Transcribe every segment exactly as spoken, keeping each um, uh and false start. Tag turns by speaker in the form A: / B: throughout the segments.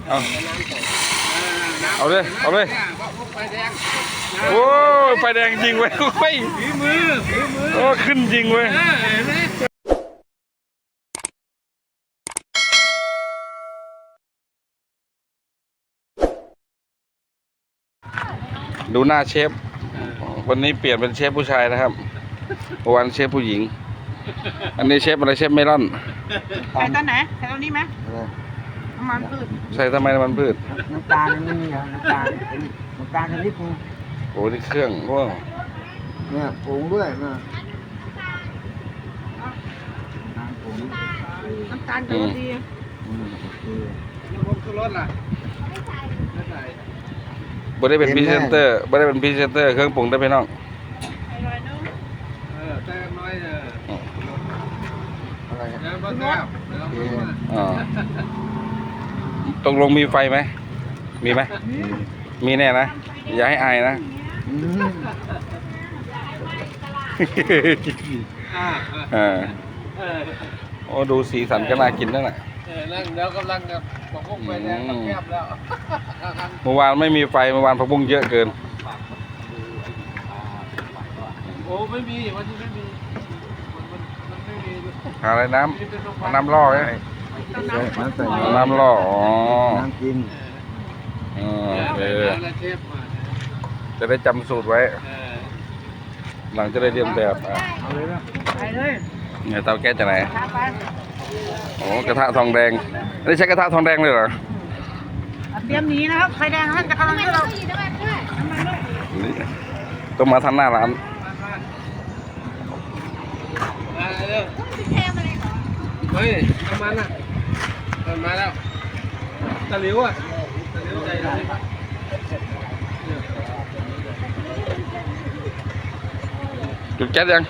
A: เอาเอาเลยเอาเลยโอ้ยไฟแดงจริงเว้ยเฮ้ยฝีมือฝีมือโอ้ขึ้นจริงเว้ยดูหน้าเชฟวันนี้เปลี่ยนเป็นเชฟผู้ชายนะครับวันเชฟผู้หญิงอันนี้เชฟอะไรเชฟเมลอน
B: ใส่ตอนไหนใส่ตอนนี้ไหมน้ำมันพืช
A: ใส่ทำไมน้ำมันพืช
C: น้ำตาลไม่มีเหรอน้ำตาลน้ำตาลชนิดนึง
A: โอ้นี่เครื่องว้าว
C: เนี่ยผงด้วยนะ
B: น้ำตาลกับดี
C: ผมก็รสล่ะ
A: บ่ได้เป็นพรีเซนเตอร์บ่ได้เป็นพรีเซนเตอร์เครื่องปรุงได้พี่น้อง
C: เออแต่น้อยเอออะไรเนี่ยบ้าแก้ว
A: อ๋อตกลงมีไฟไหมมีไหมมีแน่นะอย่าให้อายนะอ่าโอ้ดูสีสันก็น่ากินนั่นแหละ
C: นั่งแล้วกำลังกับผักบุ้งไปแล้วแคบแล้ว
A: เมื่อวานไม่มีไฟเมื่อวานผักบุ้งเยอะเกิน
C: โอ้ไม่มีวันนี้ไม่มีมันมันไม่มี
A: อะไรน้ำน้ำล่อไงน้ำล่ออ๋อ
C: น้ำกิน
A: อ๋อเออจะได้จำสูตรไว้หลังจะได้เรียนแบบอ่ะ
B: ไปเลย
A: เนี่ยเตาแก๊สจากไหนโอ้กระทะทองแดงนี่ใช้กระทะทองแดงเลยเหรอ
B: เตรียมหนีนะครับไฟแดงท่านจะกำลังให้เรา
A: ต้องมาทันหน้าร้าน
C: เฮ้ยน้ำมันอ่ะมาแล้วตะหลิวอ่ะตะหลิวใจร้าย
A: จุดแก๊สยัง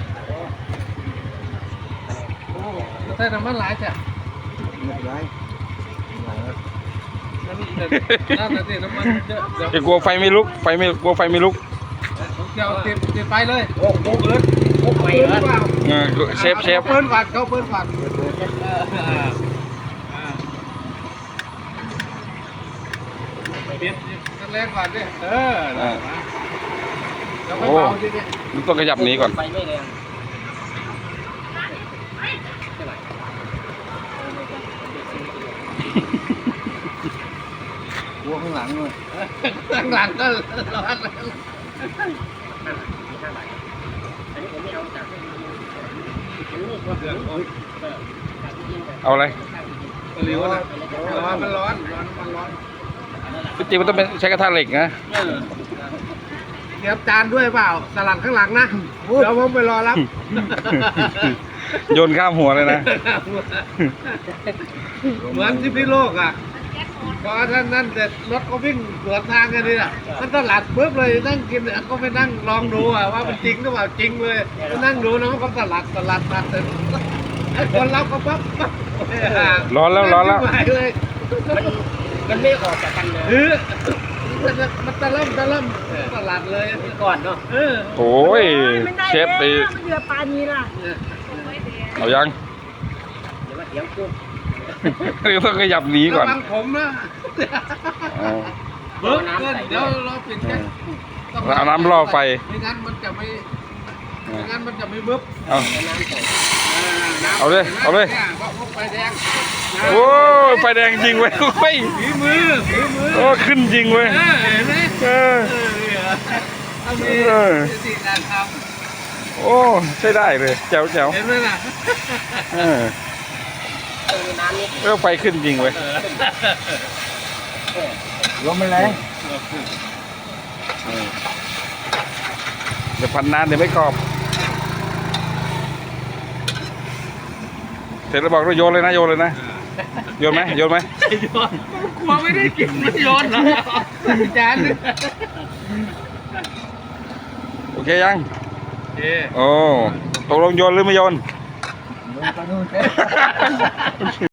C: ใส่น้ำมันหลายจ้ะหลายน้ำมันน้ำมันเยอะ
A: จะกลัวไฟไม่ลุกไฟไม่กลัวไฟไม่ลุก
C: เกี่ยวติดติดไฟเลยโอ้โหเอิร์ดโอ้โหเอิร์ดเปล่า
A: เชฟเชฟ
C: เปิ้ลฝัดเขาเปิ้ลฝัดเด็ดแรงฝัดดิเออ
A: โอ้มันต้องขยับหนีก่อน
C: วัวข้างหลังเลยข้างหลังก็ร้อน
A: เอาอะไร
C: ตะหลิวนะร้อนมันร้อนร้อนมันร้อน
A: จริงมันต้องเป็นใช้กระทะเหล็กนะ
C: เตรียมจานด้วยเปล่าสลัดข้างหลังนะเดี๋ยวผมไปรอรับ
A: โยนข้ามหัวเลยนะ
C: เหมือนที่พี่โลกอ่ะพอท่านนั่นเสร็จรถก็วิ่งสวนทางกันนี่แหละมันตลาดปุ๊บเลยนั่งกินก็ไปนั่งลองดูอ่ะว่ามันจริงหรือเปล่าจริงเลยนั่งดูนะมันก็ตลาดตลาดตัดเสร็จไอ้คนรับก็ปั๊บ
A: ร้อนแล้วร้อนแล้ว
C: มันไม่ออกจากกันเลยมันตะล่ำตะล่ำตลาดเลยก่อนเนาะ
A: โอ้ยเชฟไป
B: เรือปลานี้ล่ะ
A: เอายังเดี๋ยวเดี๋ยวต้องขยับหนีก่อน
C: ระวังผมนะเบิร์ดเดี๋ยวเราปิดแค่
A: เอาน้ำล่อไฟ
C: ไม่งั้นมันจะไม่ไม่งั้นมันจะไม่เบิร์ด
A: เอาเอาเลยเอาเลย
C: ไฟแดง
A: โอ้ยไฟแดงจริงเว้ยเฮ้ย
C: ฝีมือฝีมือ
A: โอ้ขึ้นจริงเว้ยเออ
C: เออสิ่งการท
A: ำโอ้ใช่ได้เลยแจ๋วแจ๋ว
C: เห็นไหมล่ะ
A: เออเออไฟขึ้นจริงเว้ย
C: ลมมันแรง
A: เดี๋ยวพันนานเดี๋ยวไม่กรอบเสร็จแล้วบอกว่าโยนเลยนะโยนเลยนะโยนไหมโยนไหม
C: โยนกลัวไม่ได้กินไม่โยนหรอจาน
A: โอเคยังโอ้ตกลงโยนหรือไม่โยน